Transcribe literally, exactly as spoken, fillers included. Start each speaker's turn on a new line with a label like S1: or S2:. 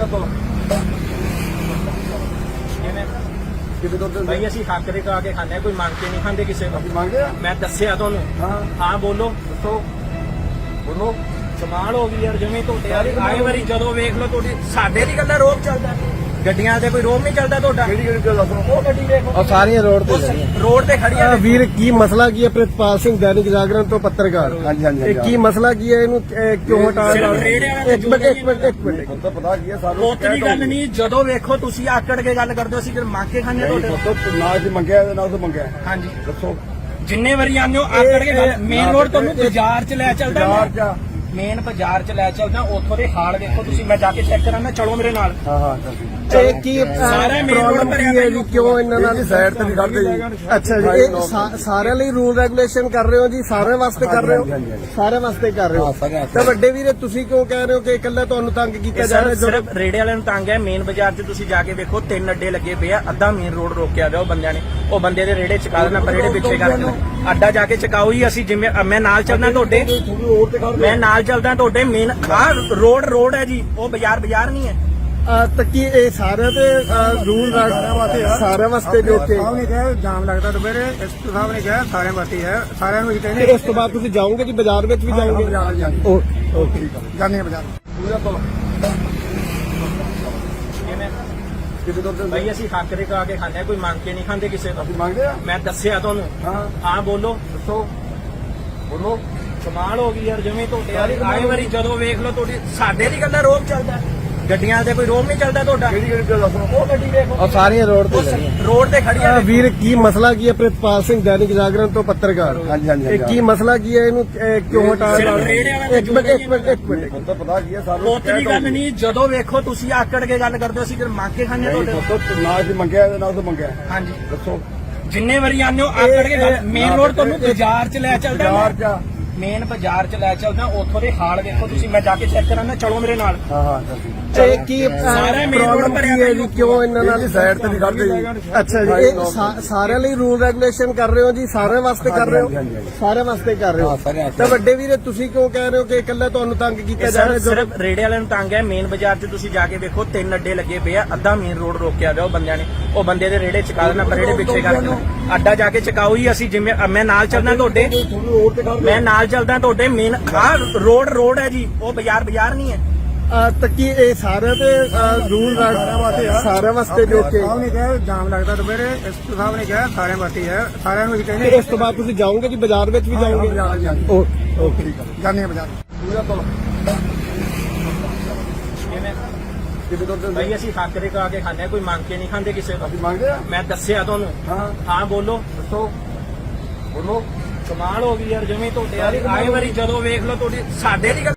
S1: ਤੋਂ ਕਿਤੇ ਤੋਂ
S2: ਭਾਈ ਅਸੀਂ ਹੱਕ ਦੇ ਕਾ ਕੇ ਖਾਂਦੇ ਹਾਂ, ਕੋਈ ਮੰਗ ਕੇ ਨਹੀਂ ਖਾਂਦੇ ਕਿਸੇ ਤੋਂ।
S1: ਅਸੀਂ ਮੰਗਦੇ ਆ।
S2: ਮੈਂ ਦੱਸਿਆ ਤੁਹਾਨੂੰ।
S1: ਹਾਂ
S2: ਹਾਂ ਬੋਲੋ
S1: ਦੱਸੋ ਬੋਲੋ।
S2: ਕਮਾਲ ਹੋ ਗਈ ਯਾਰ, ਜਿਵੇਂ ਤੁਹਾਡੇ ਵਾਲੀ ਆਏ ਵਾਰੀ ਜਦੋਂ ਵੇਖ ਲਓ ਤੁਹਾਡੀ ਸਾਡੇ ਦੀ ਗੱਲਾਂ ਰੋਕ ਚੱਲਦਾ, ਗੱਡੀਆਂ ਤੇ ਕੋਈ ਰੋਕ ਨਹੀਂ ਚੱਲਦਾ ਤੁਹਾਡਾ।
S1: ਕਿਹੜੀ ਕਿਹੜੀ ਗੱਲ ਦੱਸੋ।
S2: ਉਹ ਗੱਡੀ ਦੇਖੋ
S3: और सारी रोड पे
S2: ਰੋਡ ਤੇ ਖੜੀਆਂ ਨੇ।
S3: वीर की मसला की है प्रितपाल सिंह दैनिक जागरण तो पत्रकार
S1: ਹਾਂਜੀ ਹਾਂਜੀ
S3: ਇਹ ਕੀ ਮਸਲਾ ਕੀ ਹੈ ਇਹਨੂੰ ਇਹ ਕਿਉਂ ਹਟਾ
S2: ਸਿਰਫ ਰੇੜੇ ਵਾਲੇ
S3: ਇੱਕ ਮਿੰਟ ਇੱਕ ਮਿੰਟ ਇੱਕ ਮਿੰਟ
S1: ਹੁਣ ਤਾਂ ਪਤਾ ਕੀ ਹੈ ਸਾਨੂੰ।
S2: ਪੁੱਤ ਦੀ ਗੱਲ ਨਹੀਂ, ਜਦੋਂ ਵੇਖੋ ਤੁਸੀਂ ਆਕੜ ਕੇ ਗੱਲ ਕਰਦੇ ਹੋ, ਅਸੀਂ ਫਿਰ ਮੰਗ ਕੇ ਖਾਂਦੇ ਹਾਂ ਤੁਹਾਡੇ।
S1: ਦੱਸੋ ਨਾ ਜੀ ਮੰਗਿਆ ਤੇ ਨਾ ਤਾਂ ਮੰਗਿਆ।
S2: ਹਾਂਜੀ
S1: ਦੱਸੋ
S2: ਜਿੰਨੇ ਵਾਰੀ ਆਉਂਦੇ ਹੋ ਆਕੜ ਕੇ ਗੱਲ। ਮੇਨ ਰੋਡ ਤੁਹਾਨੂੰ ਬਾਜ਼ਾਰ ਚ ਲੈ ਚੱਲਦਾ,
S1: ਬਾਜ਼ਾਰ ਚ
S2: ਮੇਨ ਬਾਜ਼ਾਰ ਚ ਲੈ ਚੱਲਦਾ, ਉੱਥੋਂ ਦੇ ਹਾਲ ਦੇਖੋ ਤੁਸੀਂ। ਮੈਂ ਜਾ ਕੇ ਚੈੱਕ ਕਰਾਂਗਾ, ਚਲੋ ਮੇਰੇ ਨਾਲ।
S1: ਹਾਂ ਹਾਂ ਚੱਲ
S3: ਇਹ ਕੀ
S2: ਸਾਰਾ main road
S3: ਪ੍ਰੋਬਲਮ
S2: ਭਰਿਆ
S3: ਕੀ ਹੈ ਜੀ, ਕਿਉਂ ਇਹਨਾਂ ਨਾਲ
S1: ਸਾਈਡ ਤੇ ਨਹੀਂ ਖੜਦੇ ਜੀ।
S3: ਅੱਛਾ ਜੀ, ਇਹ ਸਾ- ਸਾਰਿਆਂ ਲਈ ਰੂਲ ਰੈਗੂਲੇਸ਼ਨ ਕਰ ਰਹੇ ਹੋ ਜੀ, ਸਾਰਿਆਂ ਵਾਸਤੇ ਕਰ ਰਹੇ
S1: ਹਾਂਜੀ,
S3: ਹੋ,
S1: ਹਾਂਜੀ, ਹਾਂਜੀ।
S3: ਸਾਰਿਆਂ ਵਾਸਤੇ ਕਰ ਰਹੇ
S1: ਹਾਂ,
S3: ਹੋ।
S1: ਸਾਰਿਆਂ ਵਾਸਤੇ।
S3: ਤਾਂ ਵੱਡੇ ਵੀਰੇ ਤੁਸੀਂ ਕਿਉਂ ਕਹਿ ਰਹੇ ਹੋ ਕਿ ਇਕੱਲਾ ਤੁਹਾਨੂੰ ਤੰਗ ਕੀਤਾ
S2: ਇਹ
S3: ਜਾ ਰਿਹਾ?
S2: ਸਰ
S3: ਜਦੋਂ
S2: ਸਿਰਫ ਰੇੜੇ ਵਾਲਿਆਂ ਨੂੰ ਤੰਗ ਹੈ। ਮੇਨ ਬਾਜ਼ਾਰ 'ਚ ਤੁਸੀਂ ਜਾ ਕੇ ਵੇਖੋ, ਤਿੰਨ ਅੱਡੇ ਲੱਗੇ ਪਏ ਆ, ਅੱਧਾ ਮੇਨ ਰੋਡ ਰੋਕਿਆ ਹੋਇਆ ਉਹ ਬੰਦਿਆਂ ਨੇ। ਉਹ ਬੰਦੇ ਦੇ ਰੇੜੇ ਚਕਾ ਦੇਣਾ, ਪਰ ਰੇੜੇ ਪਿੱਛੇ ਕਰਕੇ ਅੱਡਾ ਜਾ ਕੇ ਚਕਾਓ ਹੀ। ਅਸੀਂ ਜਿਵੇਂ ਮੈਂ ਨਾਲ ਚੱਲਦਾ ਤੁਹਾਡੇ,
S1: ਤੁਹਾਨੂੰ ਰੋਡ ਤੇ ਖੜਦੇ।
S2: ਮੈਂ ਨਾਲ ਚੱਲਦਾ ਤੁਹਾਡੇ। ਮੇਨ ਆਹ ਰੋਡ ਰੋਡ ਹੈ ਜੀ, ਉਹ ਬਾਜ਼ਾਰ ਬਾਜ਼ਾਰ ਨਹੀਂ ਹੈ।
S3: ਅਹ, ਤਾਂ ਕੀ ਇਹ ਸਾਰਿਆਂ ਦੇ ਰੂਲ ਸਾਰਿਆਂ ਵਾਸਤੇ ਜੋ ਕਿ
S4: ਸਾਹਿਬ ਨੇ ਕਿਹਾ ਜਾਮ ਲੱਗਦਾ ਦੁਪਹਿਰੇ, ਐਸਪੀ ਸਾਹਿਬ ਨੇ ਕਿਹਾ ਸਾਰਿਆਂ ਵਾਸਤੇ ਹੈ, ਸਾਰਿਆਂ ਨੂੰ ਹੀ
S3: ਤੇ
S4: ਕਹਿੰਦੇ
S3: ਇਸ ਤੋਂ ਬਾਅਦ ਤੁਸੀਂ ਜਾਓਗੇ ਜੀ ਬਾਜ਼ਾਰ ਵਿੱਚ ਵੀ ਜਾਓਗੇ?
S4: ਬਾਜ਼ਾਰ ਜਾਂਦੇ
S3: ਓ- ਓਕੇ
S4: ਜਾਂਦੇ ਆ ਬਾਜ਼ਾਰ।
S1: ਪੂਰਾ ਤੋਂ ਕਿਤੇ ਤੋਂ
S2: ਭਾਈ ਅਸੀਂ ਹੱਕ ਦੇ ਕਾ ਕੇ ਖਾਂਦੇ ਹਾਂ, ਕੋਈ ਮੰਗ ਕੇ ਨਹੀਂ ਖਾਂਦੇ ਕਿਸੇ ਤੋਂ।
S1: ਅਸੀਂ ਮੰਗਦੇ ਆ।
S2: ਮੈਂ ਦੱਸਿਆ ਤੁਹਾਨੂੰ।
S1: ਹਾਂ
S2: ਹਾਂ ਬੋਲੋ
S1: ਦੱਸੋ ਬੋਲੋ।
S2: ਕਮਾਲ ਹੋ ਗਈ ਯਾਰ, ਜਿਵੇਂ ਤੁਹਾਡੇ ਵਾਲੀ ਆਏ ਵਾਰੀ ਜਦੋਂ ਵੇਖ ਲਓ ਤੁਹਾਡੀ ਸਾਡੇ ਦੀ ਗੱਲਾਂ ਰੋਕ ਚੱਲਦਾ, ਗੱਡੀਆਂ ਤੇ ਕੋਈ ਰੋਕ ਨਹੀਂ ਚੱਲਦਾ ਤੁਹਾਡਾ।
S1: ਕਿਹੜੀ ਕਿਹੜੀ ਗੱਲ ਦੱਸੋ।
S2: ਉਹ ਗੱਡੀ ਦੇਖੋ
S3: और सारी रोड पे
S2: ਰੋਡ ਤੇ ਖੜੀਆਂ ਨੇ।
S3: वीर की मसला की है प्रितपाल सिंह दैनिक जागरण तो पत्रकार
S1: ਹਾਂਜੀ ਹਾਂਜੀ
S3: ਇਹ ਕੀ ਮਸਲਾ ਕੀ ਹੈ ਇਹਨੂੰ ਇਹ ਕਿਉਂ ਹਟਾ
S2: ਸਿਰਫ ਰੇੜੇ ਵਾਲੇ
S3: ਇੱਕ ਮਿੰਟ ਇੱਕ ਮਿੰਟ ਇੱਕ ਮਿੰਟ
S1: ਹੁਣ ਤਾਂ ਪਤਾ ਕੀ ਹੈ ਸਾਨੂੰ।
S2: ਪੁੱਤ ਦੀ ਗੱਲ ਨਹੀਂ, ਜਦੋਂ ਵੇਖੋ ਤੁਸੀਂ ਆਕੜ ਕੇ ਗੱਲ ਕਰਦੇ ਹੋ, ਅਸੀਂ ਫਿਰ ਮੰਗ ਕੇ ਖਾਂਦੇ ਹਾਂ ਤੁਹਾਡੇ।
S1: ਦੱਸੋ ਨਾ ਜੀ ਮੰਗਿਆ ਤੇ ਨਾ ਤਾਂ ਮੰਗਿਆ।
S2: ਹਾਂਜੀ
S1: ਦੱਸੋ
S2: ਜਿੰਨੇ ਵਾਰੀ ਆਉਂਦੇ ਹੋ ਆਕੜ ਕੇ ਗੱਲ। ਮੇਨ ਰੋਡ ਤੁਹਾਨੂੰ ਬਾਜ਼ਾਰ ਚ ਲੈ ਚੱਲਦਾ,
S1: ਬਾਜ਼ਾਰ ਚ
S2: ਮੇਨ ਬਾਜ਼ਾਰ ਚ ਲੈ ਚੱਲਦਾ, ਉੱਥੋਂ ਦੇ ਹਾਲ ਦੇਖੋ ਤੁਸੀਂ। ਮੈਂ ਜਾ ਕੇ ਚੈੱਕ ਕਰਾਂਗਾ, ਚਲੋ ਮੇਰੇ ਨਾਲ।
S1: ਹਾਂ ਹਾਂ ਚੱਲ
S3: ਇਹ ਕੀ
S2: ਸਾਰਾ main road
S3: ਪ੍ਰੋਬਲਮ
S2: ਭਰਿਆ
S3: ਕੀ ਹੈ ਜੀ, ਕਿਉਂ ਇਹਨਾਂ ਨਾਲ
S1: ਇਹਦੀ ਸਾਈਡ ਤੇ ਨਹੀਂ ਖੜਦੇ ਜੀ।
S3: ਅੱਛਾ ਜੀ, ਇਹ ਸਾ- ਸਾਰਿਆਂ ਲਈ ਰੂਲ ਰੈਗੂਲੇਸ਼ਨ ਕਰ ਰਹੇ ਹੋ ਜੀ, ਸਾਰਿਆਂ ਵਾਸਤੇ ਕਰ ਰਹੇ
S1: ਹਾਂਜੀ, ਹਾਂਜੀ,
S3: ਹੋ,
S1: ਹਾਂਜੀ।
S3: ਸਾਰਿਆਂ ਵਾਸਤੇ ਕਰ ਰਹੇ
S1: ਹਾਂ,
S3: ਹੋ।
S1: ਸਾਰਿਆਂ ਵਾਸਤੇ।
S3: ਤਾਂ ਵੱਡੇ ਵੀਰੇ ਤੁਸੀਂ ਕਿਉਂ ਕਹਿ ਰਹੇ ਹੋ ਕਿ ਇਕੱਲਾ ਤੁਹਾਨੂੰ ਤੰਗ ਕੀਤਾ
S2: ਇਹ
S3: ਜਾ ਰਿਹਾ?
S2: ਸਰ
S3: ਜਦੋਂ
S2: ਸਿਰਫ ਰੇੜੇ ਵਾਲਿਆਂ ਨੂੰ ਤੰਗ ਹੈ। ਮੇਨ ਬਾਜ਼ਾਰ 'ਚ ਤੁਸੀਂ ਜਾ ਕੇ ਵੇਖੋ, ਤਿੰਨ ਅੱਡੇ ਲੱਗੇ ਪਏ ਆ, ਅੱਧਾ ਮੇਨ ਰੋਡ ਰੋਕਿਆ ਹੋਇਆ ਉਹ ਬੰਦਿਆਂ ਨੇ। ਉਹ ਬੰਦੇ ਦੇ ਰੇੜੇ ਚਕਾ ਦੇਣਾ, ਪਰ ਰੇੜੇ ਪਿੱਛੇ ਕਰਕੇ ਅੱਡਾ ਜਾ ਕੇ ਚਕਾਓ ਹੀ। ਅਸੀਂ ਜਿਵੇਂ ਮੈਂ ਨਾਲ ਚੱਲਦਾ ਤੁਹਾਡੇ,
S1: ਤੁਹਾਨੂੰ ਰੋਡ ਤੇ ਖੜਦੇ।
S2: ਮੈਂ ਨਾਲ ਚੱਲਦਾ ਤੁਹਾਡੇ। ਮੇਨ ਆਹ ਰੋਡ ਰੋਡ ਹੈ ਜੀ, ਉਹ ਬਾਜ਼ਾਰ ਬਾਜ਼ਾਰ ਨਹੀਂ ਹੈ।
S3: ਅਹ, ਤਾਂ ਕੀ ਇਹ ਸਾਰਿਆਂ ਦੇ ਰੂਲ ਸਾਰਿਆਂ ਵਾਸਤੇ ਜੋ ਕਿ
S4: ਸਾਹਿਬ ਨੇ ਕਿਹਾ ਜਾਮ ਲੱਗਦਾ ਦੁਪਹਿਰੇ, ਐਸਪੀ ਸਾਹਿਬ ਨੇ ਕਿਹਾ ਸਾਰਿਆਂ ਵਾਸਤੇ ਹੈ, ਸਾਰਿਆਂ ਨੂੰ ਹੀ
S3: ਤੇ
S4: ਕਹਿੰਦੇ
S3: ਇਸ ਤੋਂ ਬਾਅਦ ਤੁਸੀਂ ਜਾਓਗੇ ਜੀ ਬਾਜ਼ਾਰ ਵਿੱਚ ਵੀ ਜਾਓਗੇ?
S4: ਬਾਜ਼ਾਰ ਜਾਂਦੇ
S3: ਓ- ਓਕੇ
S4: ਜਾਂਦੇ ਆ ਬਾਜ਼ਾਰ।
S1: ਪੂਰਾ ਤੋਂ ਕਿਤੇ ਤੋਂ
S2: ਭਾਈ ਅਸੀਂ ਹੱਕ ਦੇ ਕਾ ਕੇ ਖਾਂਦੇ ਹਾਂ, ਕੋਈ ਮੰਗ ਕੇ ਨਹੀਂ ਖਾਂਦੇ ਕਿਸੇ ਤੋਂ।
S1: ਅਸੀਂ ਮੰਗਦੇ ਆ।
S2: ਮੈਂ ਦੱਸਿਆ ਤੁਹਾਨੂੰ।
S1: ਹਾਂ
S2: ਹਾਂ ਬੋਲੋ
S1: ਦੱਸੋ ਬੋਲੋ।
S2: ਕਮਾਲ ਹੋ ਗਈ ਯਾਰ, ਜਿਵੇਂ ਤੁਹਾਡੇ ਵਾਲੀ ਆਏ ਵਾਰੀ ਜਦੋਂ ਵੇਖ ਲਓ ਤੁਹਾਡੀ ਸਾਡੇ ਦੀ ਗੱਲ